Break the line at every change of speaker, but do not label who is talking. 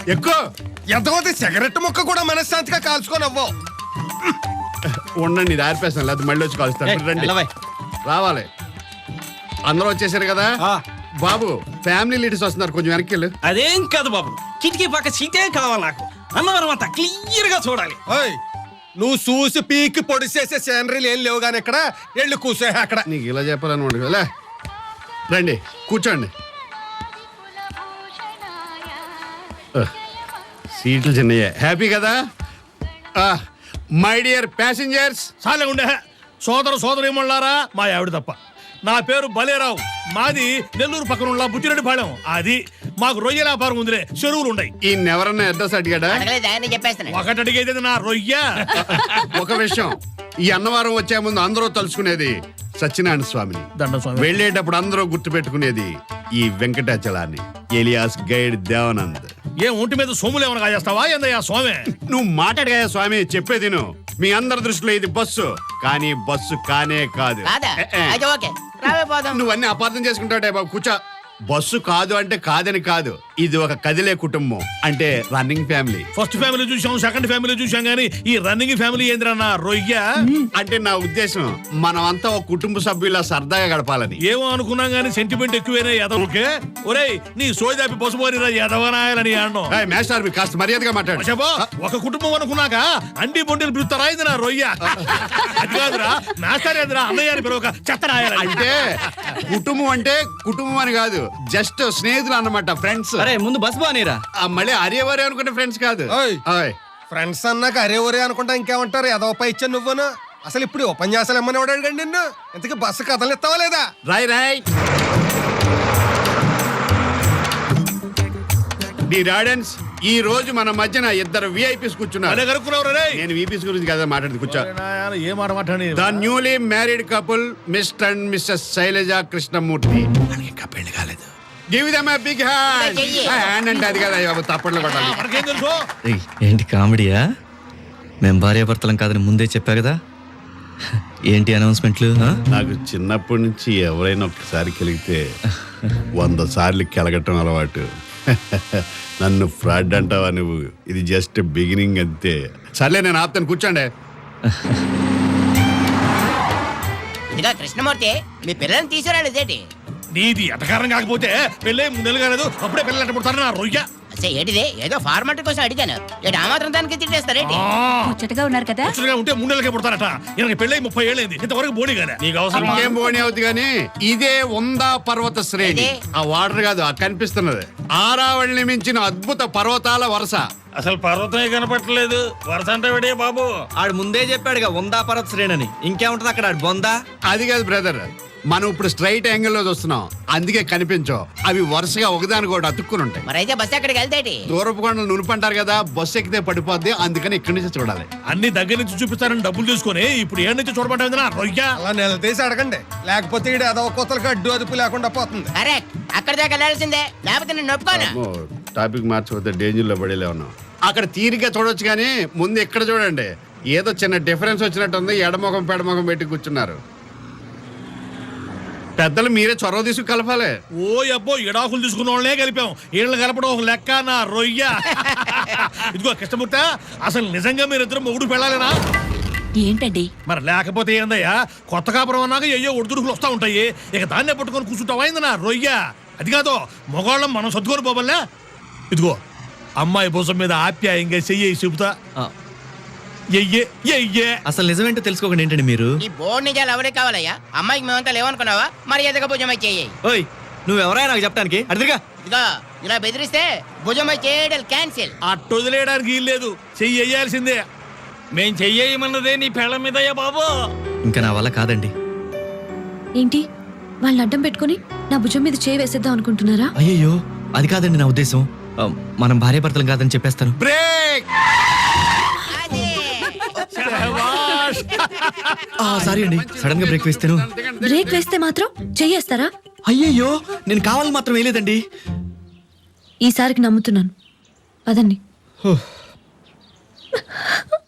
ఎక్కువ
ఎంతమంది సిగరెట్ ముక్క కూడా మనశ్శాంతిగా కాల్చుకొని అవ్వవు.
ఉండండి, ఇది ఆరిపేస్తాను, లేదా మళ్ళీ వచ్చి కలుస్తాను. రండి, రావాలి. అందరూ వచ్చేసారు కదా బాబు. ఫ్యామిలీ లీడర్స్ వస్తున్నారు, కొంచెం వెనక్కి వెళ్ళు.
అదేం కాదు బాబు, కిటికీ పక్క సీటే కావాలి నాకు. అన్నవరం అంతా క్లియర్ గా చూడాలి.
నువ్వు చూసి పీకి పొడి చేసే సీనరీలు ఏం లేవు కానీ ఇక్కడ వెళ్ళి కూర్చో. అక్కడ
నీకు ఇలా చెప్పాలన్నమాట కదా. రండి కూర్చోండి. సీట్లు చిన్నయ్యే. హ్యాపీ కదా మై డియర్ ప్యాసింజర్స్?
చాలే ఉండే సోదరు మా ఆవిడ తప్ప. నా పేరు బలేరావు, మాది నెల్లూరు పక్కన ఉన్న బుచ్చిరెడ్డిపాళెం. అది మాకు రొయ్య వ్యాపారం ఉందిలే, చెరువులు ఉన్నాయి.
ఈ ఎవరన్నా అడ్రస్ అడిగాడా?
ఒకటి అడిగేది నా రొయ్య.
ఒక విషయం, ఈ అన్నవరం వచ్చే ముందు అందరూ తలుచుకునేది సత్యనారాయణ స్వామిని. వెళ్ళేటప్పుడు అందరూ గుర్తు పెట్టుకునేది ఈ వెంకటాచలాన్ని, ఎలియాస్ గైడ్ దేవానంద్.
ఏ ఒంటి మీద సోములు ఏమైనా కాజేస్తావా ఏందయ్యా స్వామి?
నువ్వు మాట్లాడగా స్వామి, చెప్పేది మీ అందరి దృష్టిలో ఇది బస్సు, కానీ బస్సు కానే కాదు. నువ్వు అన్ని అపార్థం చేసుకుంటావుటే బాబు. కూర్చో. బస్సు కాదు అంటే కాదని కాదు, ఇది ఒక కదిలే కుటుంబం, అంటే రన్నింగ్ ఫ్యామిలీ.
ఫస్ట్ ఫ్యామిలీ చూసాం, సెకండ్ ఫ్యామిలీ చూసాం, గానీ ఈ రన్నింగ్ ఫ్యామిలీ ఏంద్రన్నా రొయ్య.
అంటే నా ఉద్దేశం మనం అంతా ఒక కుటుంబ సభ్యులా సరదాగా గడపాలని.
ఏమో అనుకున్నాం గానీ సెంటిమెంట్ ఎక్కువైనా ఎదవకే. ఒరేయ్ నీ సోదాపి పసుపోరిరా ఎదవనాయాలని అన్నాం.
మేస్టార్ మీ కాస్త మర్యాదగా మాట్లాడు.
ఒక కుటుంబం అనుకున్నాక అండి బొండిలు పిలుస్తారా ఇది నా రొయ్య? అది కాదురా మాస్టర్ ఎదురా అన్నయ్య పిలవక చెత్త రాయాలి.
అంటే కుటుంబం అంటే కుటుంబం అని కాదు, జస్ట్ స్నేహితులు అన్నమాట, ఫ్రెండ్స్.
ముందు బస్ బానేరా.
మళ్ళీ అరేవరే అనుకునే ఫ్రెండ్స్ కాదు.
ఫ్రెండ్స్ అన్నాక అరే ఒరే అనుకుంటా ఇంకేమంటారు? ఎదవపై ఇచ్చా నువ్వును. అసలు ఇప్పుడు ఉపన్యాసాలు ఏమని వాడాడు నిన్ను? ఇంతకీ బస్సు కథలు ఇస్తావా లేదా?
రాయ్ డిరాడెన్స్, ఈ రోజు మన మధ్యన ఇద్దరు విఐపీస్ కూర్చున్నారు. నేను విఐపీస్ గురించి కదా మాట్లాడి కూర్చో.
ఏ మాట మాట్లాడి?
The newly married couple mister and missus Sailaja Krishnamurthy. ఇంకా పెళ్లి కాలేదు. Give them a big hand. Hand అంటే అది కదా బాబు, తప్పట్లు కొట్టాలి.
ఏంటి కామెడీయా? మేము భార్యాభర్తలం కాదని ముందే చెప్పా కదా. ఏంటి అనౌన్స్మెంట్లు?
నాకు చిన్నప్పటి నుంచి ఎవరైనా ఒక్కసారి కలిగితే 100 సార్లు కెలగటం అలవాటు. నన్ను ఫ్రాడ్ అంటావా నువ్వు? ఇది జస్ట్ బిగినింగ్ అంతే. సర్లే నేను ఆపుతాను, కూర్చోండి.
ఇదిగా కృష్ణమూర్తి, మీ పిల్లల్ని తీసుకురాలేదేంటి?
నీది ఎటకారం కాకపోతే పెళ్ళే 3 నెలలు కాలేదు, అప్పుడే పిల్లలు ఎట్ట పుడతారు నా రొయ్య?
ఏంటిది? ఏదో ఫార్మాలిటీ కోసం అడిగాను. ఆ మాత్రం దానికి తిట్టేస్తారేంటి?
ముచ్చటగా ఉన్నారు కదా.
ఉంటే 3 నెలలకే పుడతారట. ఈయనకి పెళ్ళై 30 ఏళ్ళైంది, ఇంతవరకు బోడి గానే. నీకు అవసరం
ఏం బోని అవుతుంది కానీ ఇదే ఉందా పర్వత శ్రేణి. ఆ వాటర్ కాదు, ఆ కనిపిస్తున్నది ఆరావళిని మించిన అద్భుత పర్వతాల వరుస.
అసలు పర్వతమే కనపట్టలేదు, వరుస అంటే విడే బాబు. ఆడు ముందే చెప్పాడుగా ఉందా పర్వత శ్రేణి. ఇంకేముంటది అక్కడ బొందా?
అది కాదు బ్రదర్, మనం ఇప్పుడు స్ట్రైట్ యాంగిల్ లో చూస్తున్నాం, అందుకే కనిపించవు. అవి వరుసగా ఒకదానికి ఒకటి అతుక్కుని ఉంటాయి.
మరైతే బస్సు ఎక్కడికి వెళ్తాయి?
దూరపు కొండలు నునుపంటారు కదా, బస్సు ఎక్కితే పడిపోద్ది, అందుకని ఇక్కడి నుంచి చూడాలి.
అన్ని దగ్గర నుంచి చూపిస్తారని డబ్బులు తీసుకుని ఇప్పుడు ఏడు నుంచి చూడబడ్డా రొయ్య.
అలా నిలదీసి అడగండి, లేకపోతే ఈడు అదొక కొత్తలకు అడ్డు అదుపు లేకుండా పోతుంది.
అక్కడ దాకా వెళ్ళాల్సిందే, లేకపోతే నేను నొప్పుకోను.
టాపిక్ మార్చిపోతే డేంజర్ లో పడేలే ఉన్నాం. అక్కడ తీరిగ్గా చూడొచ్చు కానీ ముందు ఇక్కడ చూడండి, ఏదో చిన్న డిఫరెన్స్ వచ్చినట్టుంది. ఎడమొఖం పెడమొఖం పెట్టి కూర్చున్నారు. పెద్దలు మీరే చొరవ తీసుకు కలపాలి.
ఓ అబ్బో, ఎడాకులు తీసుకున్న వాళ్ళనే కలిపాం, వీళ్ళని కలపడం ఒక లెక్క నా రొయ్య. ఇదిగో కృష్ణమూర్తి, అసలు నిజంగా మీరిద్దరు మొగుడు పెళ్ళాలేనా?
ఏంటండి
మరి లేకపోతే ఏందయ్యా? కొత్త కాపురం అన్నాక అయ్యో ఒడిదుడుకులు వస్తా ఉంటాయి, ఇక దాన్నే పట్టుకొని కూర్చుంటావా నా రొయ్య? అది కాదు, మగవాళ్ళం మనం సర్దుకొని పోవల్లే. ఇదిగో అమ్మాయి భుజం మీద ఆప్యాయంగా చెయ్యి చెబుతా.
అసలు నిజమేంటో తెలుసుకోకండి ఏంటండి మీరు?
ఈ బోర్డు నిజాలు ఎవరికి కావాలయ్యా? అమ్మాయికి మేమంతా లేవనుకున్నావా? మరి ఎదగ భుజమై చేయి.
ఓయ్, నువ్వెవరైనా నాకు చెప్పడానికి? అడిదిగా
ఇదిగో ఇలా బెదిరిస్తే భుజమై చేయడం క్యాన్సిల్.
అట్టు వదిలేయడానికి వీల్లేదు, చెయ్యి వేయాల్సిందే.
మేం చెయ్యమన్నదే నీ పెళ్ళ మీదయ్యా బాబు.
ఇంకా నా వల్ల కాదండి.
ఏంటి వాళ్ళని అడ్డం పెట్టుకుని నా భుజం మీద చేయి వేసేద్దాం అనుకుంటున్నారా?
అయ్యో అది కాదండి నా ఉద్దేశం. మనం భార్యాభర్తలం కాదని చెప్పేస్తాను.
బ్రేక్.
సారీ అండి, సడన్ గా బ్రేక్ వేస్తాను.
బ్రేక్ వేస్తే మాత్రం చెయ్యేస్తారా?
అయ్యయ్యో, నేను కావాలని మాత్రం వేయలేదండి.
ఈసారికి నమ్ముతున్నాను, పదండి.